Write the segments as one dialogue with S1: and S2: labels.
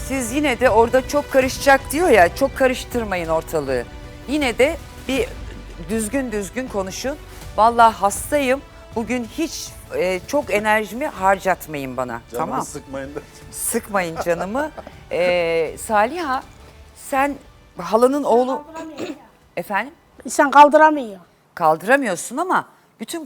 S1: siz yine de orada çok karışacak diyor ya, çok karıştırmayın ortalığı. Yine de bir düzgün konuşun. Vallahi hastayım. Bugün hiç çok enerjimi harcatmayın bana.
S2: Canımı
S1: tamam.
S2: sıkmayın da.
S1: Sıkmayın canımı. Saliha, sen halanın oğlu... Efendim?
S3: İnsan kaldıramıyor.
S1: Kaldıramıyorsun ama bütün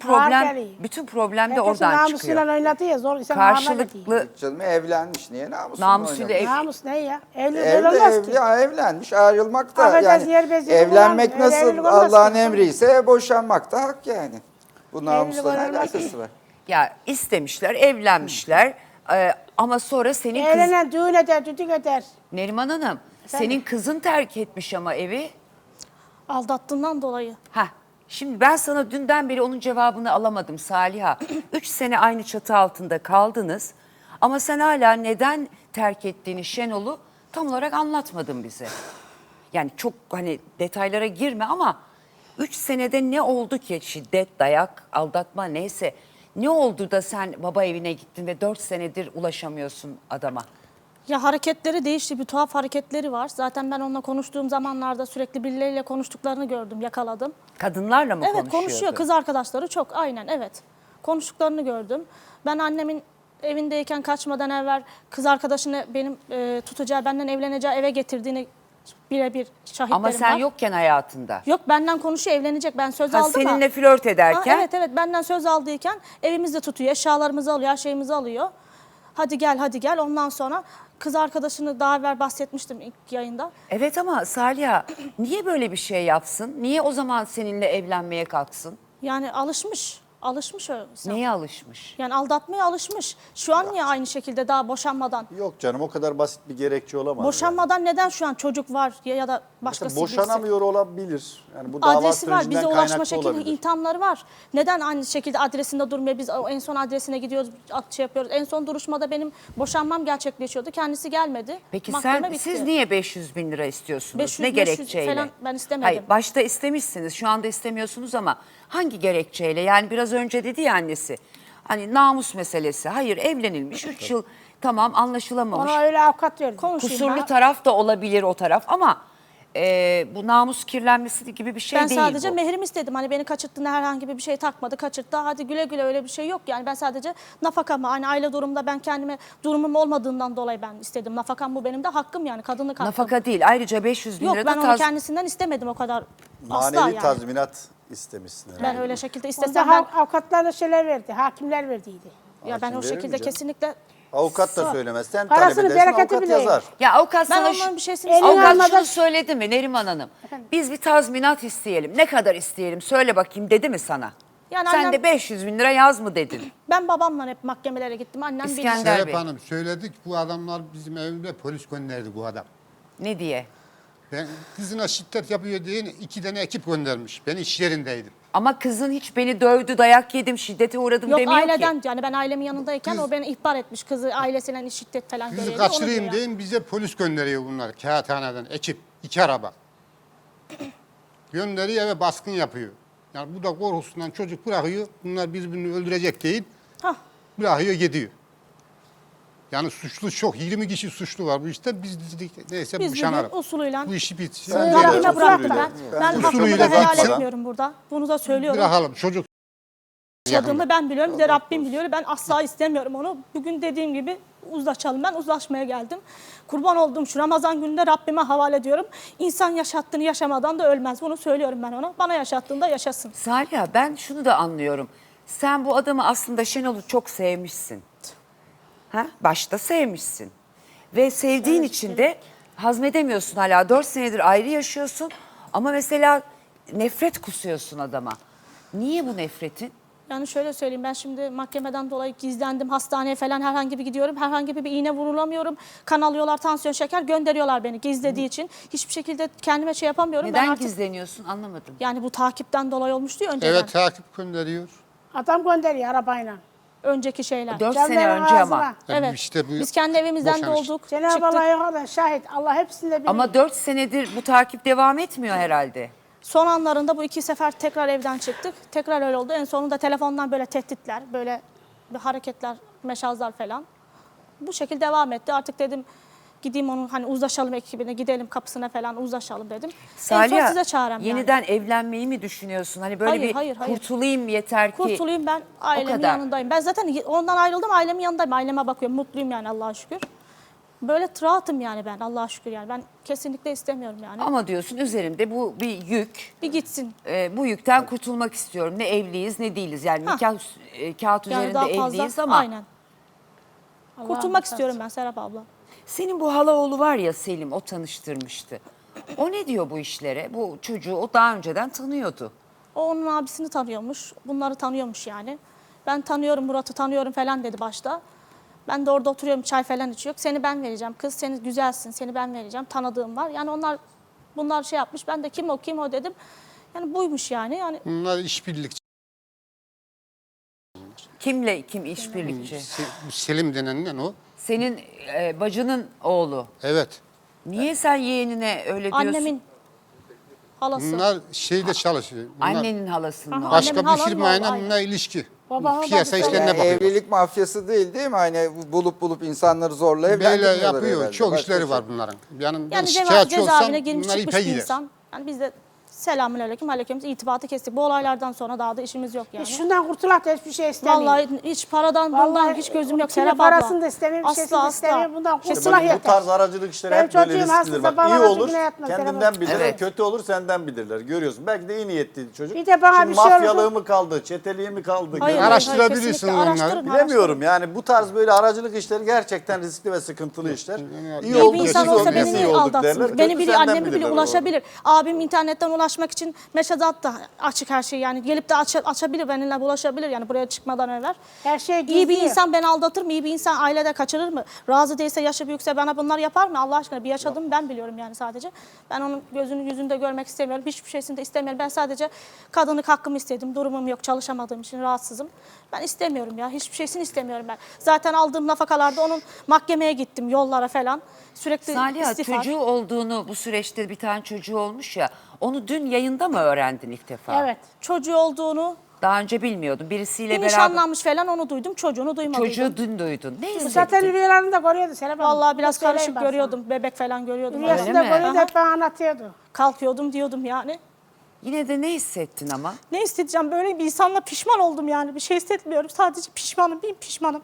S1: problem de oradan
S3: namusuyla
S1: çıkıyor.
S3: oynadı ya zor insan ağırına gidiyor.
S1: Karşılıklı
S2: Canım evlenmiş, niye namusunu
S1: namusuyla
S2: oynamış?
S3: Namus ne ya? Evli
S2: Evli,
S3: böyle olmaz
S2: evli,
S3: ki.
S2: evlenmiş, ayrılmak da
S3: Affedersin, yer
S2: yani
S3: bezini
S2: evlenmek
S3: kullanmıyor. Öyle
S2: nasıl
S3: evlilik olmaz
S2: Allah'ın
S3: ki.
S2: emriyse boşanmak da hak yani. Bu namusla ne
S3: olmaz ki.
S2: alakası var?
S1: ya istemişler, evlenmişler. Ama sonra senin kız...
S3: Evlenen düğün eder, düdük eder.
S1: Neriman Hanım, senin kızın terk etmiş ama evi.
S4: Aldattığından dolayı.
S1: Heh, şimdi ben sana dünden beri onun cevabını alamadım Saliha. 3 sene aynı çatı altında kaldınız. Ama sen hala neden terk ettiğini Şenol'u tam olarak anlatmadın bize. Yani çok hani detaylara girme ama 3 senede ne oldu ki? Şiddet, dayak, aldatma neyse. Ne oldu da sen baba evine gittin ve 4 senedir ulaşamıyorsun adama?
S4: Ya hareketleri değişti, bir tuhaf hareketleri var. Zaten ben onunla konuştuğum zamanlarda sürekli birileriyle konuştuklarını gördüm, yakaladım.
S1: Kadınlarla mı
S4: Evet
S1: konuşuyordu?
S4: konuşuyor, kız arkadaşları çok, aynen evet. Konuştuklarını gördüm. Ben annemin evindeyken kaçmadan evvel kız arkadaşını benim tutacağı, benden evleneceği eve getirdiğini birebir şahitlerim
S1: Ama sen
S4: var.
S1: yokken hayatında.
S4: Yok, benden konuşuyor, evlenecek, ben söz
S1: Ha,
S4: aldım ama.
S1: seninle flört ederken.
S4: Evet evet, benden söz aldıyken evimizde tutuyor, eşyalarımızı alıyor, her şeyimizi alıyor. Hadi gel ondan sonra kız arkadaşını daha evvel bahsetmiştim ilk yayında.
S1: Evet ama Saliha niye böyle bir şey yapsın? Niye o zaman seninle evlenmeye kalksın?
S4: Yani alışmış öyle.
S1: Neye alışmış?
S4: Yani aldatmaya alışmış. Şu an niye aynı şekilde daha boşanmadan?
S2: Yok canım, o kadar basit bir gerekçe olamaz.
S4: Boşanmadan neden şu an çocuk var ya da başkası
S2: Mesela boşanamıyor olabilir. Yani bu dava
S4: adresi var, bize
S2: sürecinden
S4: ulaşma
S2: kaynaklı
S4: şekli,
S2: olabilir.
S4: imtihanları var. Neden aynı şekilde adresinde durmuyor? Biz en son adresine gidiyoruz, şey yapıyoruz. En son duruşmada benim boşanmam gerçekleşiyordu. Kendisi gelmedi.
S1: Peki
S4: Mahkeme bitti.
S1: siz niye 500 bin lira istiyorsunuz?
S4: 500,
S1: ne
S4: 500
S1: gerekçeyle?
S4: falan ben istemedim.
S1: Hayır, başta istemişsiniz, şu anda istemiyorsunuz ama hangi gerekçeyle? Yani biraz önce dedi ya annesi. Hani namus meselesi. Hayır, evlenilmiş 3 yıl tamam anlaşılamamış.
S3: Ona öyle avukat verdi.
S4: Konuşayım
S1: Kusurlu
S4: ben.
S1: taraf da olabilir o taraf ama bu namus kirlenmesi gibi bir şey
S4: Ben
S1: değil
S4: sadece
S1: bu.
S4: mehrimi istedim. Hani beni kaçırttığında herhangi bir şey takmadı, kaçırttı. Hadi güle güle, öyle bir şey yok. Yani ben sadece nafakamı, hani aile durumda ben kendime durumum olmadığından dolayı ben istedim. Nafakam bu benim de hakkım, yani kadınlık hakkım.
S1: Nafaka değil. Ayrıca 500 bin
S4: Yok,
S1: lira
S4: ben
S1: da
S4: onu kendisinden istemedim o kadar. Asla
S2: Manevi
S4: yani.
S2: tazminat istemişsin herhalde.
S4: Ben öyle şekilde
S3: Onda
S4: istesem ben,
S3: avukatlar da şeyler verdi, hakimler verdiydi.
S4: ya ben
S2: Hakim
S4: o
S2: verir mi
S4: şekilde
S2: canım?
S4: kesinlikle
S2: Avukat da söylemez. Sen
S3: Parasını,
S2: talep edersin,
S3: bereketi
S2: avukat
S3: bile
S2: yazar.
S1: Ya avukat
S4: ben
S1: sana
S4: onların bir şeysini
S3: Elini
S1: avukat
S3: almadan-
S1: şunu söyledi mi Neriman Hanım? Biz bir tazminat isteyelim. Ne kadar isteyelim söyle bakayım dedi mi sana?
S4: Yani
S1: Sen
S4: annem-
S1: de 500 bin lira yaz mı dedin?
S4: ben babamla hep mahkemelere gittim. Annem bilir.
S1: İskender
S5: Serap
S1: Bey.
S5: Hanım söyledik, bu adamlar bizim evimde polis gönderdi bu adam.
S1: Ne diye?
S5: Ben kızına şiddet yapıyor diye 2 tane ekip göndermiş. Ben iş yerindeydim.
S1: Ama kızın hiç beni dövdü, dayak yedim, şiddete uğradım
S4: Yok,
S1: demiyor
S4: aileden
S1: ki.
S4: yani ben ailemin yanındayken o beni ihbar etmiş. Kızı ailesinden şiddet falan
S5: Kızı
S4: görüyor. Onu
S5: kaçırayım
S4: diyor yani.
S5: deyin, bize polis gönderiyor bunlar. Kağıthaneden ekip, 2 araba. Gönderiyor ve baskın yapıyor. Yani bu da korkusundan çocuk bırakıyor. Bunlar birbirini öldürecek deyip
S4: Hah.
S5: bırakıyor gidiyor. Yani suçlu çok. 20 kişi suçlu var bu işte. Biz dedik neyse
S4: Biz
S5: boşanalım.
S4: bugün usulüyle
S5: Bu işi bitsin.
S2: Sen
S4: tarafına
S2: usulüyle.
S4: bıraktım ben. Ben hakkımı
S5: Usulüyle
S4: da helal
S5: bitsin.
S4: etmiyorum burada. Bunu da söylüyorum.
S5: Bırakalım çocuk.
S4: Yaşadığımı ben biliyorum. Bir de Rabbim biliyor. Ben asla istemiyorum onu. Bugün dediğim gibi uzlaşalım. Ben uzlaşmaya geldim. Kurban olduğum şu Ramazan gününde Rabbime havale ediyorum. İnsan yaşattığını yaşamadan da ölmez. Bunu söylüyorum ben ona. Bana yaşattığında yaşasın.
S1: Saliha, ben şunu da anlıyorum. Sen bu adamı aslında Şenol'u çok sevmişsin. Ha? Başta sevmişsin. Ve sevdiğin için de hazmedemiyorsun hala. 4 senedir ayrı yaşıyorsun. Ama mesela nefret kusuyorsun adama. Niye bu nefretin?
S4: Yani şöyle söyleyeyim, ben şimdi mahkemeden dolayı gizlendim, hastaneye falan herhangi bir gidiyorum, herhangi bir iğne vurulamıyorum, kan alıyorlar, tansiyon şeker gönderiyorlar beni gizlediği için. Hiçbir şekilde kendime şey yapamıyorum.
S1: Neden
S4: Ben artık,
S1: gizleniyorsun anlamadım.
S4: yani bu takipten dolayı olmuştu ya önceden.
S5: Evet takip gönderiyor.
S3: Adam gönderiyor arabayla.
S4: Önceki şeyler.
S1: 4
S3: Canların
S1: sene önce ama.
S3: ağzına.
S4: Evet.
S5: İşte bu
S4: Biz kendi evimizden
S5: boşanış.
S4: dolduk,
S3: Cenab-ı Allah
S4: çıktık.
S3: yok da şahit. Allah hepsini de biliyor.
S1: Ama 4 senedir bu takip devam etmiyor herhalde.
S4: Son anlarında bu 2 sefer tekrar evden çıktık. Tekrar öyle oldu. En sonunda telefondan böyle tehditler, böyle bir hareketler, meşazlar falan. Bu şekilde devam etti. Artık dedim gideyim onun hani uzlaşalım ekibine, gidelim kapısına falan uzlaşalım dedim. En son
S1: Saliha,
S4: size çağıram yani.
S1: yeniden evlenmeyi mi düşünüyorsun? Hani böyle
S4: Hayır, hayır.
S1: kurtulayım yeter ki.
S4: Kurtulayım, ben ailemin
S1: kadar.
S4: yanındayım. Ben zaten ondan ayrıldım, ailemin yanındayım. Aileme bakıyorum, mutluyum yani Allah'a şükür. Böyle rahatım yani ben Allah'a şükür yani. Ben kesinlikle istemiyorum yani.
S1: Ama diyorsun üzerimde bu bir yük.
S4: Bir gitsin.
S1: Bu yükten kurtulmak istiyorum. Ne evliyiz ne değiliz. Yani
S4: Ha.
S1: nikah kağıt
S4: Yani
S1: üzerinde
S4: daha fazla,
S1: evliyiz ama
S4: aynen. Kurtulmak istiyorum ben Serap abla.
S1: senin bu halaoğlu var ya Selim, o tanıştırmıştı. O ne diyor bu işlere? Bu çocuğu o daha önceden tanıyordu.
S4: O onun abisini tanıyormuş. Bunları tanıyormuş yani. Ben tanıyorum, Murat'ı tanıyorum falan dedi başta. Ben de orada oturuyorum, çay falan içiyor. Seni ben vereceğim kız, seni güzelsin, seni ben vereceğim. Tanıdığım var. Yani bunlar şey yapmış. Ben de kim o dedim. Yani buymuş yani. Yani
S5: Bunlar işbirlikçi.
S1: Kimle kim işbirlikçi?
S5: Selim denilen o.
S1: Senin bacının oğlu.
S5: Evet.
S1: Niye sen yeğenine öyle diyorsun?
S4: annemin halası.
S5: Bunlar şeyde çalışıyor. Bunlar
S1: Annenin halasının
S4: Aha.
S1: oğlu.
S5: başka
S4: Annemin
S5: bir
S4: halanın
S5: firmayla
S4: oğlu,
S5: bununla ilişki.
S3: Babamın
S5: Piyasa
S3: babası.
S5: işlerine
S2: Yani
S5: bakıyor.
S2: evlilik mafyası değil mi? Hani bulup insanları zorla
S5: Böyle
S2: evlendirmiyorlar
S5: yapıyor.
S2: herhalde.
S5: Çok
S2: Başka
S5: işleri
S2: şey.
S5: var bunların. Yani ben
S4: Yani
S5: şikayetçi olsam
S4: cezaevine girmiş
S5: bunlar
S4: çıkmış
S5: ipe
S4: bir
S5: gider.
S4: insan. Yani biz de selamünaleyküm, aleyküm irtibatı kestik. Bu olaylardan sonra daha da işimiz yok yani.
S3: Şundan kurtulak da hiçbir şey istemiyorum.
S4: Vallahi hiç paradan bundan hiç gözüm yok
S3: kimin
S4: Serap abla.
S3: parasını da istemiyorum, bir şeysini de istemiyorum. Bundan kurtulak
S6: Bu
S3: yeter.
S6: tarz aracılık işleri
S3: Benim
S6: hep böyle
S3: çocuğum
S6: risklidir.
S3: aslında
S6: Bak
S3: bana
S6: iyi olur
S3: acı yatmaz,
S6: kendinden
S3: Serap.
S6: bilirler,
S1: Evet.
S6: kötü olur senden bilirler. Görüyorsun. Belki de iyi niyetliydi çocuk.
S3: Bir de bana
S6: Şimdi
S3: bir şey
S6: mafyalığı
S3: oldu.
S6: mı kaldı, çeteliği mi kaldı?
S4: Hayır,
S5: Araştırabilirsin
S4: kesinlikle
S5: onları.
S4: araştırın,
S6: Bilemiyorum yani bu tarz böyle aracılık işleri gerçekten riskli ve sıkıntılı işler. İyi
S4: İyi
S6: oldu,
S4: bir
S6: siz
S4: insan
S6: olduk,
S4: olsa
S6: biz iyi
S4: beni
S6: olduk derler.
S4: aldatsın. Beni
S6: Kötü
S4: bile,
S6: senden
S4: annemi bile
S6: bilirler o.
S4: ulaşabilir. Abim internetten ulaşmak için mesaj attı. Açık her şey yani. Gelip de açabilir, benimle ulaşabilir yani buraya çıkmadan evvel.
S3: Her şey
S4: İyi bir
S3: gizliyor.
S4: insan beni aldatır mı? İyi bir insan ailede kaçırır mı? Razı değilse, yaşı büyükse bana bunlar yapar mı? Allah aşkına bir yaşadığımı ben biliyorum yani sadece. Ben onun gözünü yüzünde görmek istemiyorum. Hiçbir şeysini de istemiyorum. Ben sadece kadınlık hakkımı istedim. Durumum yok. Çalışamadığım için rahatsızım. Ben istemiyorum ya. Hiçbir şeysini istemiyorum ben. Zaten aldığım nafakalarda onun mahkemeye gittim. Yollara falan. Sürekli
S1: Saliha,
S4: istifa.
S1: çocuğu olduğunu, bu süreçte bir tane çocuğu olmuş ya, onu dün yayında mı öğrendin ilk defa?
S3: Evet.
S4: Çocuğu olduğunu,
S1: Daha önce bilmiyordun. Birisiyle
S4: bir
S1: beraber
S4: nişanlanmış falan onu duydum. Çocuğunu duymadım.
S1: çocuğu dün duydun. Ne
S3: Bu
S1: hissettin?
S3: zaten rüyalarında görüyordu Serap Hanım.
S4: Vallahi biraz
S3: Söyleyeyim
S4: karışık
S3: ben sana.
S4: görüyordum. Bebek falan görüyordum.
S3: Rüyasında
S1: mi?
S3: görüyordu,
S4: Aha.
S3: hep bana anlatıyordu.
S4: Kalkıyordum diyordum yani.
S1: Yine de ne hissettin ama?
S4: Ne hissedeceğim? Böyle bir insanla pişman oldum yani. Bir şey hissetmiyorum. Sadece pişmanım. Bir pişmanım.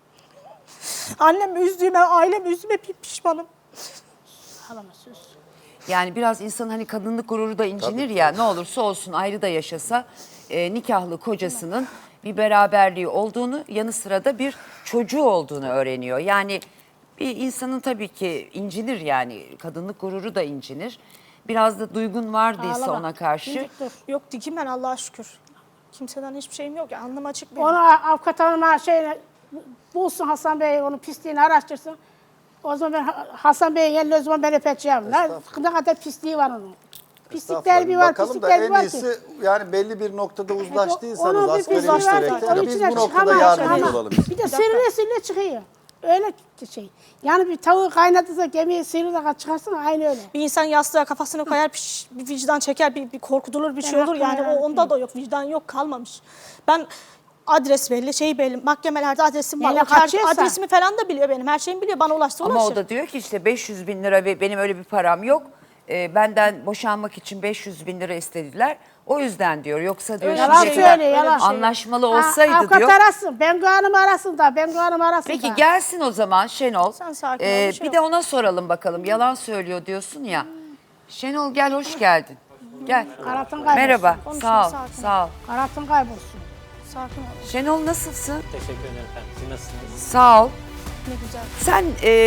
S4: Annemi üzdüğüme, ailemi üzdüğüme bir pişmanım.
S3: Ağlama sus.
S1: Yani biraz insanın hani kadınlık gururu da incinir ya, ne olursa olsun ayrı da yaşasa nikahlı kocasının bir beraberliği olduğunu, yanı sıra da bir çocuğu olduğunu öğreniyor. Yani bir insanın tabii ki incinir, yani kadınlık gururu da incinir. Biraz da duygun vardıysa
S3: Ağlama.
S1: ona karşı.
S3: Dimdik dur.
S4: Yok dikim ben Allah'a şükür. Kimseden hiçbir şeyim yok. Ya, alnım açık benim.
S3: Onu avukat hanıma bulsun Hasan Bey, onun pisliğini araştırsın. O zaman ben Hasan Bey'in elini o zaman ben öpeceğim. Ne kadar pisliği var onun. Pislikler bir var,
S6: Bakalım da
S3: pislikler bir
S6: en
S3: var ki.
S6: iyisi yani belli bir noktada
S3: Onun
S6: uzlaştıysanız
S3: bir
S6: asgari
S3: pisliği var ki,
S6: müşterekte
S3: onun
S6: biz
S3: içine
S6: bu noktada
S3: çıkamaz
S6: yardımcı
S3: ama
S6: olalım.
S3: Bir de sırrı çıkıyor. Öyle şey. Yani bir tavuğu kaynatırsa gemiyi sıyırır çıkarsın aynı öyle.
S4: Bir insan yastığa kafasını koyar, bir vicdan çeker, bir korkutulur, bir şey
S3: Ben
S4: olur yani.
S3: hakkını
S4: Onda da yok, vicdan yok, kalmamış. Ben adres belli, şey belli, mahkemelerde adresim var.
S3: Neyle
S4: O her-
S3: kaçıyorsa.
S4: adresimi falan da biliyor benim, her şeyimi biliyor, bana ulaştı,
S1: Ama
S4: ulaşır.
S1: o da diyor ki işte 500 bin lira ve benim öyle bir param yok. Benden boşanmak için 500 bin lira istediler. O yüzden diyor. Yoksa diyor
S4: Öyle
S3: Yalan
S1: şimdiye kadar
S3: söylüyor, yalan.
S1: anlaşmalı olsaydı
S3: avukat
S1: diyor.
S3: arasın, ben Hanım arasın da, ben Hanım arasın da.
S1: Peki gelsin o zaman Şenol.
S4: Sen sakin ol, bir şey
S1: bir
S4: yok.
S1: de ona soralım bakalım. Yalan söylüyor diyorsun ya. Şenol gel, hoş geldin. Gel.
S3: Karatın kaybolsun.
S1: Merhaba.
S4: Konuşma,
S1: Sağ ol.
S4: sakin ol.
S1: Sağ ol.
S3: Karatın kaybolsun.
S4: Sakin ol,
S1: Şenol nasılsın?
S7: Teşekkür ederim efendim. Siz nasılsınız?
S1: Sağ ol.
S4: ne güzel.
S1: Sen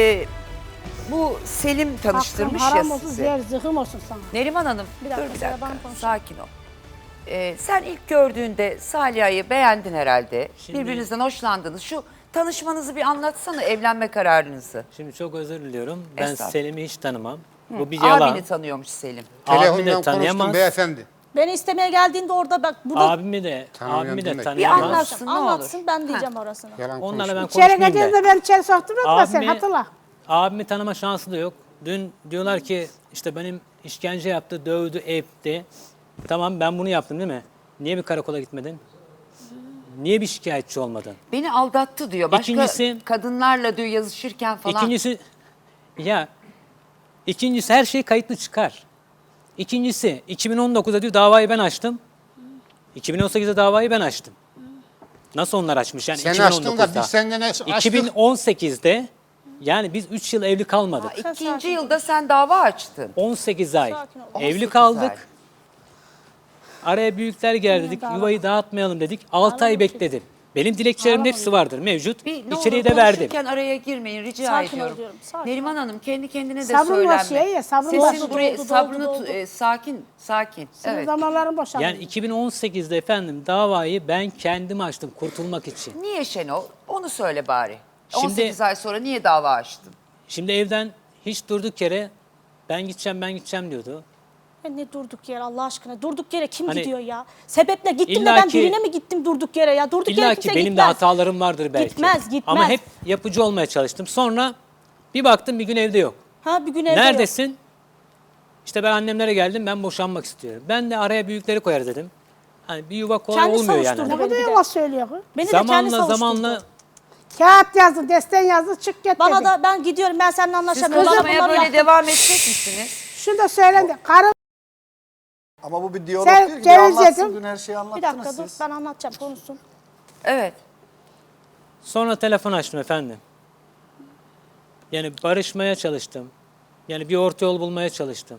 S1: bu Selim tanıştırmış
S3: Hakkım
S1: ya
S3: haram olsun,
S1: sizi.
S3: zehir zıhım olsun sana.
S1: Neriman Hanım,
S4: Bir dakika,
S1: dur bir
S4: Serap
S1: dakika.
S4: Hanım konuşsun.
S1: Sakin ol. Sen ilk gördüğünde Saliha'yı beğendin herhalde.
S7: Şimdi-
S1: Birbirinizden hoşlandınız. Şu tanışmanızı bir anlatsana, evlenme kararınızı.
S7: Şimdi çok özür diliyorum. Ben
S1: Estağfurullah.
S7: Selim'i hiç tanımam. Bu bir yalan.
S1: Abini tanıyormuş Selim.
S7: Abimi de
S5: Telefondan konuştum
S7: tanıyamaz.
S5: beyefendi.
S4: Beni istemeye geldiğinde orada bak, burada
S7: Abimi de
S5: demek.
S1: Bir
S7: tanıyamaz.
S1: anlatsın ne olur.
S4: anlatsın, ben diyeceğim orasını.
S5: Yalan
S7: Onlarla ben
S5: konuştum.
S3: İçeri
S7: konuşmayayım
S3: geldiğinde
S7: da.
S3: ben içeri soktum ama sen hatırla.
S7: Abimi tanıma şansı da yok. Dün diyorlar ki işte benim işkence yaptı, dövdü, etti. Tamam ben bunu yaptım değil mi? Niye bir karakola gitmedin? Niye bir şikayetçi olmadın?
S1: Beni aldattı diyor. Başka
S7: İkincisi-
S1: kadınlarla diyor yazışırken falan.
S7: Ya ikincisi her şey kayıtlı çıkar. İkincisi 2019'da diyor davayı ben açtım. 2018'de davayı ben açtım. Nasıl onlar açmış yani
S5: Sen
S7: 2019'da?
S5: açtın da biz senden açtık.
S7: 2018'de yani biz 3 yıl evli
S1: Ha,
S7: kalmadık.
S1: ikinci yılda sen dava açtın.
S7: 18 ay
S4: Sakin ol.
S7: evli
S1: 18
S7: kaldık.
S1: ay.
S7: Araya büyükler geldi dedik. Yuvayı dağıtmayalım dedik. 6 ay bekledim. Benim dilekçelerimin hepsi vardır mevcut.
S1: Bir, ne
S7: İçeriği
S1: olur
S7: de verdim.
S1: konuşurken araya girmeyin rica
S4: Sakin ol
S1: ediyorum.
S4: diyorum, sakin
S1: Neriman Hanım kendi kendine de
S3: Sabrın
S1: söylenme.
S3: var şey ya, sabrın
S1: Sesin
S3: var.
S1: buraya,
S4: Doldu,
S1: sabrını
S4: doldu.
S1: sakin sakin.
S3: Senin
S1: Evet.
S3: zamanların boşaldı.
S7: Yani 2018'de efendim davayı ben kendim açtım kurtulmak için.
S1: Niye Şenol? Onu söyle bari.
S7: Şimdi-
S1: 18 ay sonra niye dava açtın?
S7: Şimdi evden hiç durduk yere ben gideceğim diyordu.
S4: Ya ne durduk yere Allah aşkına? Durduk yere kim
S7: Hani
S4: gidiyor ya? Sebeple gittim de
S7: İlla
S4: ben
S7: ki-
S4: birine mi gittim durduk yere ya? Durduk yere
S7: İlla
S4: kimse
S7: ki benim de
S4: gitmez.
S7: hatalarım vardır belki.
S4: Gitmez.
S7: Ama hep yapıcı olmaya çalıştım. Sonra bir baktım bir gün evde yok.
S4: Ha bir gün evde yok.
S7: Neredesin? İşte ben annemlere geldim ben boşanmak istiyorum. Ben de araya büyükleri koyar dedim. Hani bir yuva kolay
S4: Kendi
S7: olmuyor yani.
S4: savuşturdu.
S3: Ne kadar yalan söylüyor kız.
S4: Beni de kendi savuşturdu.
S7: Zamanla
S3: Kağıt yazdı, desten yazdı, çık git
S4: Bana
S3: dedi.
S4: da ben gidiyorum ben seninle
S1: Siz
S4: anlaşamıyorum.
S1: kazanmaya
S4: Bunları
S1: böyle
S4: yaptım.
S1: devam edecek misiniz?
S3: Şunu da söylendi. Karı
S6: Ama bu bir diyalog
S3: Sen
S6: değil ki.
S3: ceviz
S6: Anlatsın,
S3: yedin.
S6: dün her şeyi
S4: Bir
S6: anlattınız
S4: dakika dur
S6: siz.
S4: ben anlatacağım konuşsun.
S1: Evet.
S7: sonra telefon açtım efendim. Yani barışmaya çalıştım. Yani bir orta yol bulmaya çalıştım.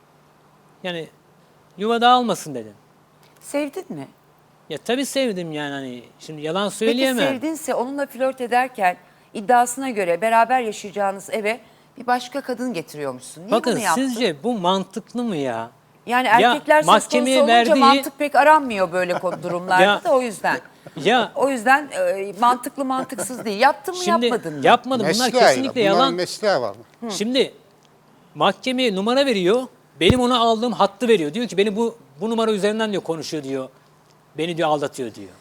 S7: Yani yuva dağılmasın dedim.
S1: Sevdin mi?
S7: Ya tabii sevdim yani hani şimdi yalan
S1: Peki
S7: söyleyemem.
S1: sevdinse onunla flört ederken iddiasına göre beraber yaşayacağınız eve bir başka kadın getiriyormuşsun. Niye
S7: Bakın
S1: bunu yaptın?
S7: sizce bu mantıklı mı ya?
S1: Yani
S7: Ya,
S1: erkekler söz konusu
S7: mahkemeye
S1: olunca
S7: verdiği-
S1: mantık pek aranmıyor böyle durumlarda
S7: Ya-
S1: da o yüzden.
S7: Ya
S1: O yüzden mantıklı mantıksız değil. Yaptın mı
S7: şimdi
S1: yapmadın mı?
S7: yapmadım. Bunlar
S5: Mesleğiyle,
S7: kesinlikle
S5: bunların
S7: yalan.
S5: mesleği var.
S7: Şimdi mahkemeye numara veriyor. Benim ona aldığım hattı veriyor. Diyor ki beni bu numara üzerinden diyor konuşuyor diyor. Beni diyor aldatıyor diyor.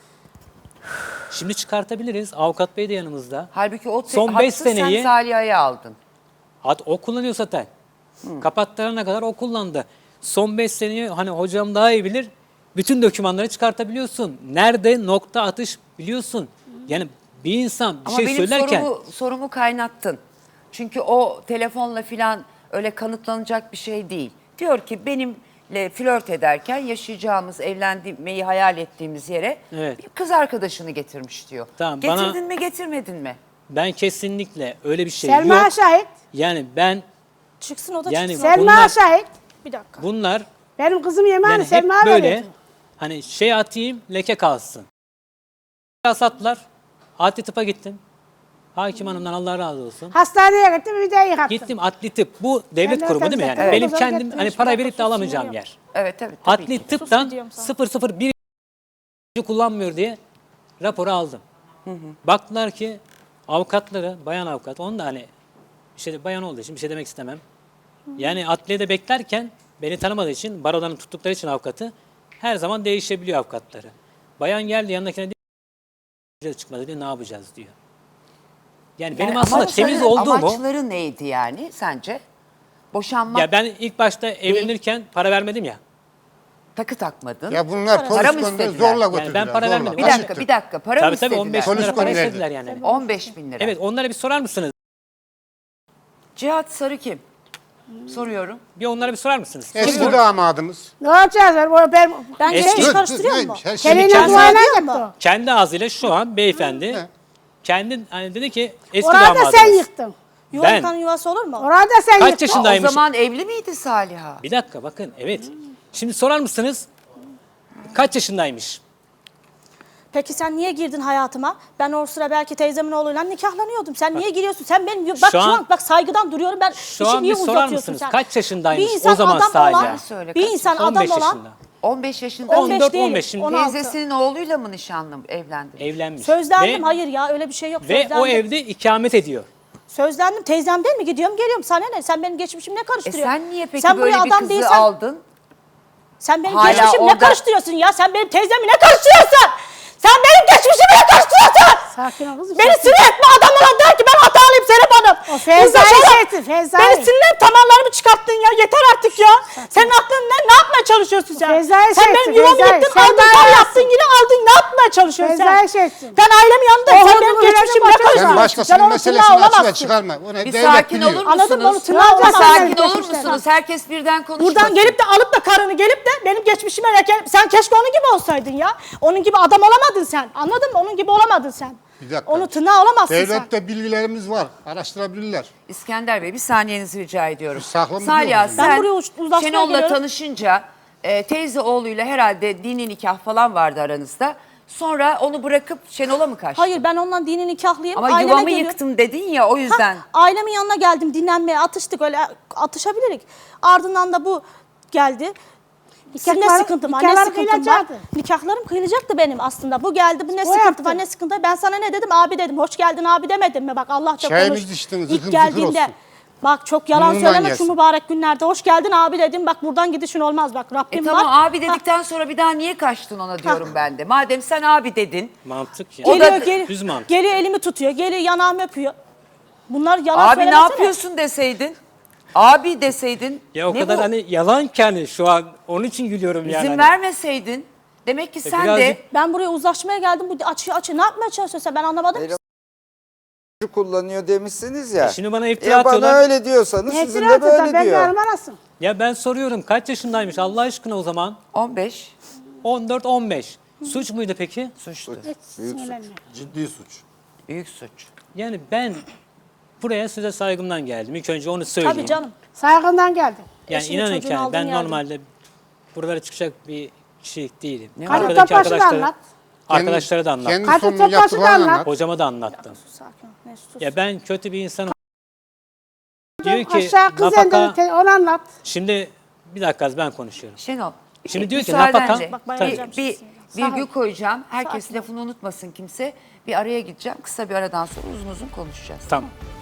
S7: Şimdi çıkartabiliriz. Avukat bey de yanımızda.
S1: Halbuki o
S7: Son
S1: hattı
S7: beş seneyi-
S1: sen Saliha'ya aldın.
S7: O kullanıyor zaten. Kapattırana kadar o kullandı. Son 5 seneyi hani hocam daha iyi bilir. Bütün dokümanları çıkartabiliyorsun. Nerede nokta atış biliyorsun. Yani bir insan bir
S1: Ama
S7: şey
S1: benim
S7: söylerken
S1: sorumu kaynattın. Çünkü o telefonla filan öyle kanıtlanacak bir şey değil. Diyor ki benimle flört ederken yaşayacağımız, evlenmeyi hayal ettiğimiz yere
S7: Evet.
S1: bir kız arkadaşını getirmiş diyor.
S7: Tamam,
S1: Getirdin mi getirmedin mi?
S7: ben kesinlikle öyle bir şey
S3: Selma
S7: yok.
S3: şahit.
S7: Yani ben
S4: Çıksın o da
S7: Yani
S4: çıksın.
S3: Selma
S7: Bunlar-
S3: şahit.
S4: Bir dakika.
S7: bunlar
S3: Benim kızım yemeğini
S7: yani hep
S3: Selma
S7: böyle
S3: veriyordu.
S7: hani şey atayım leke kalsın. Sattılar. Adli tıpa gittim. Hakim hanımdan Allah razı olsun.
S3: Hastaneye gittim, bir de yıkattım.
S7: Gittim adli tıp. Bu devlet
S3: Sen
S7: kurumu değil mi
S3: nereden
S7: yani?
S3: zaten-
S7: Benim
S3: Evet,
S7: kendim
S3: evet,
S7: hani
S3: evet.
S7: para verip de
S4: Susun
S7: alamayacağım
S4: ya.
S7: yer.
S1: Evet tabii
S7: Adli
S1: ki.
S7: tıptan
S4: diyorum sana.
S7: 001 kullanmıyor diye raporu aldım. Baktılar ki avukatları, bayan avukat, onu da hani bir şey bayan olduğu için bir şey demek istemem. Yani adliyede beklerken beni tanımadığı için, barodan tuttukları için avukatı her zaman değişebiliyor avukatları. Bayan geldi yanındakine diyor çıkmadı diyor ne yapacağız diyor. Yani benim aslında temiz olduğumu
S1: Amaçları neydi yani sence? Boşanmak,
S7: ya ben ilk başta evlenirken para vermedim ya.
S1: takı takmadın.
S5: Ya bunlar
S1: Para
S5: polis
S1: mı
S5: gönderdi
S1: istediler?
S5: zorla
S7: Yani
S5: götürdüler.
S7: ben para
S5: zorla.
S7: vermedim.
S1: Bir dakika para mı
S7: Tabii
S1: istediler?
S7: 15 bin
S5: Polis
S7: lira para
S5: gönderdi.
S7: istediler yani.
S1: 15 bin lira.
S7: Evet onlara bir sorar mısınız?
S1: Cihat Sarı kim? Soruyorum.
S7: Bir onlara bir sorar mısınız?
S5: Eski
S7: Kim bu?
S5: damadımız.
S3: Ne yapacağız?
S4: Ben
S7: Eski-
S4: şey
S5: Dur,
S4: karıştırıyor
S5: dur,
S4: mu?
S5: her şeyi
S3: Seninle
S7: kendi-
S3: duayla
S4: Diyor
S3: yaptı
S4: mu?
S3: o.
S7: Kendi ağzıyla şu an beyefendi
S5: He.
S7: kendi hani dedi ki eski
S3: Orada
S7: damadımız.
S3: sen yıktın.
S4: Yuva
S7: Ben-
S4: yıkan yuvası olur mu?
S3: Orada sen
S7: Kaç
S3: yıktın.
S1: O
S7: yaşındaymış?
S1: zaman evli miydi Saliha?
S7: Bir dakika bakın evet. Şimdi sorar mısınız? Kaç yaşındaymış?
S4: Peki sen niye girdin hayatıma? Ben o sıra belki teyzemin oğluyla nikahlanıyordum. Sen niye giriyorsun? Sen benim bak şu an bak saygıdan duruyorum. Ben
S7: Şu
S4: işi
S7: an
S4: niye
S7: bir sorar
S4: uzatıyorsun
S7: mısınız?
S4: sen?
S7: Kaç yaşındaymış
S4: Bir insan
S7: o zaman
S4: adam
S7: Salih?
S4: olan,
S1: Söyle,
S4: bir
S1: kaç
S4: insan
S7: 15
S4: adam olan
S7: yaşında.
S1: 15 yaşında
S4: 15
S7: 14,
S4: değil,
S7: 15 şimdi
S4: 16.
S1: teyzesinin oğluyla mı nişanlı evlendi?
S7: Evlenmiş.
S4: Sözlendim
S7: Ve-
S4: hayır ya öyle bir şey yok.
S7: Ve
S4: Sözlendim.
S7: o evde ikamet ediyor.
S4: Sözlendim teyzemden mi gidiyorum geliyorum sana ne? Sen benim geçmişimi ne karıştırıyorsun?
S1: Sen niye peki
S4: Sen
S1: böyle
S4: buraya
S1: bir
S4: adam
S1: kızı
S4: değilsen-
S1: aldın?
S4: Sen benim
S1: Hala
S4: geçmişimi
S1: orada-
S4: ne karıştırıyorsun ya? Sen benim teyzemi ne karıştırıyorsun? Sen benim geçmişime karıştırıyorsun.
S3: Sakin ol kızım.
S4: Beni
S3: sakin.
S4: sinir etme, adamlara der ki ben hatalıyım Serap Hanım.
S3: O Feyza'yı
S4: Uzlaşalım.
S3: seçti, Feyza'yı.
S4: Beni sinirlenip tamarlarımı çıkarttın ya, yeter artık ya. Senin aklın ne yapmaya çalışıyorsun sen?
S3: Feyza'yı
S4: Sen
S3: seçti,
S4: benim yuvamı
S3: Feyza'yı.
S4: yıktın,
S3: Sen
S4: aldın,
S3: bana
S4: zam
S3: versin.
S4: yaptın, yine aldın, ne yapmaya çalışıyorsun
S3: Feyza'yı
S4: sen?
S3: seçtin.
S4: Ben ailemin yanında,
S3: O
S4: sen
S3: hududu
S4: benim
S3: verelim,
S4: geçmişimle
S3: başa
S4: karıştırıyorsun.
S5: Sen
S3: Sen
S5: başkasının
S4: onun
S5: meselesini
S4: tırnağı
S5: açığa
S4: olamazsın.
S5: çıkarma. Onu
S1: Bir
S5: devlet
S1: sakin
S5: biliyor.
S1: olur
S4: Anladın mı? Onu
S1: musunuz?
S4: tırnağı
S1: Bir
S4: olamaz.
S1: sakin olur
S3: Geçmişler.
S1: musunuz? Herkes birden konuşmasın.
S4: Buradan gelip de alıp da karını gelip de benim geçmişime sen keşke onun gibi olsaydın ya. Onun gibi adam olamadın sen. Anladın mı? Onun gibi olamadın sen.
S5: Bir dakika.
S4: Onu tırnağı olamazsın sen.
S5: Devlette bilgilerimiz var. Araştırabilirler.
S1: İskender Bey bir saniyenizi rica ediyorum.
S5: Saklama
S1: Salih
S5: diyorum.
S1: sen
S4: Ben buraya uzlaşmaya
S1: Şenol'la
S4: geliyorum.
S1: tanışınca teyze oğluyla herhalde dini nikah falan vardı aranızda. Sonra onu bırakıp Şenol'a mı kaçtın?
S4: Hayır, ben ondan dini nikahlıyım.
S1: Ama
S4: Aileme
S1: yuvamı
S4: geliyorum.
S1: yıktım dedin ya o yüzden.
S4: Ailemin yanına geldim, dinlenmeye atıştık, öyle atışabilirik. Ardından da bu geldi. Ne
S3: Nikahlar-
S4: sıkıntım var, ne
S3: nikahlar
S4: sıkıntım var.
S3: kıyılacaktı.
S4: Nikahlarım kıyılacaktı benim aslında. Bu geldi, bu ne
S3: O
S4: sıkıntı
S3: yaptı.
S4: var, ne sıkıntı var. Ben sana ne dedim? Abi dedim, hoş geldin abi demedim mi? Bak Allah'ça
S5: Çayımız
S4: konuş.
S5: içtiniz,
S4: İlk
S5: zıkır
S4: geldiğimde,
S5: zıkır olsun.
S4: bak çok yalan
S5: Burnundan
S4: söyleme
S5: gelsin.
S4: şu mübarek günlerde. Hoş geldin abi dedim, bak buradan gidişin olmaz, bak Rabbim
S1: Tamam
S4: var.
S1: abi dedikten sonra bir daha niye kaçtın ona diyorum ben de. Madem sen abi dedin.
S7: Mantık ya.
S1: O da-
S7: Düz mantık.
S4: Geliyor elimi tutuyor, geliyor yanağımı öpüyor. Bunlar yalan
S1: Abi ne
S4: söylemesene.
S1: yapıyorsun deseydin. Abi deseydin.
S7: Ya o
S1: ne
S7: kadar
S1: bu?
S7: hani yalan ki hani şu an onun için gülüyorum yani.
S1: İzin
S7: hani.
S1: vermeseydin. Demek ki sen de
S7: birazcık-
S4: Ben buraya uzlaşmaya geldim. Bu açı ne yapmaya çalışıyorsun sen? Ben anlamadım.
S2: Eylem- kullanıyor demişsiniz ya.
S7: Şimdi bana iftira
S2: Ya bana
S7: atıyorlar.
S2: öyle diyorsanız
S3: Ne
S2: sizin
S3: itiraz
S2: de
S3: eder,
S2: böyle
S3: ben de
S2: diyor.
S3: arasın.
S7: Ya ben soruyorum kaç yaşındaymış Allah aşkına o zaman?
S1: 15
S7: 14-15. Suç muydu peki?
S1: suçlu.
S3: Hiç sinirlenme.
S6: Ciddi suç.
S1: Büyük suç.
S7: Yani ben buraya size saygımdan geldim. İlk önce onu söyleyeyim.
S4: Tabii canım.
S3: Saygından geldim.
S7: Yani
S4: Eşini,
S7: inanın
S4: çocuğunu
S7: ki yani
S4: aldığın
S7: ben
S4: yerde.
S7: normalde buralara çıkacak bir kişilik değilim.
S3: Hadi
S7: Arkadaki
S3: Topaş'ı da anlat.
S7: arkadaşlara da anlattım.
S5: Kendi
S3: Hadi
S5: sonunu
S3: Topaş'ı da
S5: yaptıklarını
S3: anlat.
S5: anlat.
S7: Hocama da anlattım.
S4: Sakin ol. Ne sus.
S7: Ya ben kötü bir insanım. Diyor ki
S3: Aşağı kız
S7: nafaka...
S3: endiri, onu anlat.
S7: Şimdi bir dakika az ben konuşuyorum.
S1: Şenol.
S7: Şimdi diyor ki
S1: müsaadenle
S7: nafaka-
S4: Bak,
S1: bir,
S4: bayılacağım
S1: bir
S4: şimdi.
S1: virgül koyacağım. Herkes
S4: Sakin ol.
S1: lafını unutmasın kimse. Bir araya gideceğim. Kısa bir aradan sonra uzun uzun konuşacağız.
S7: Tamam.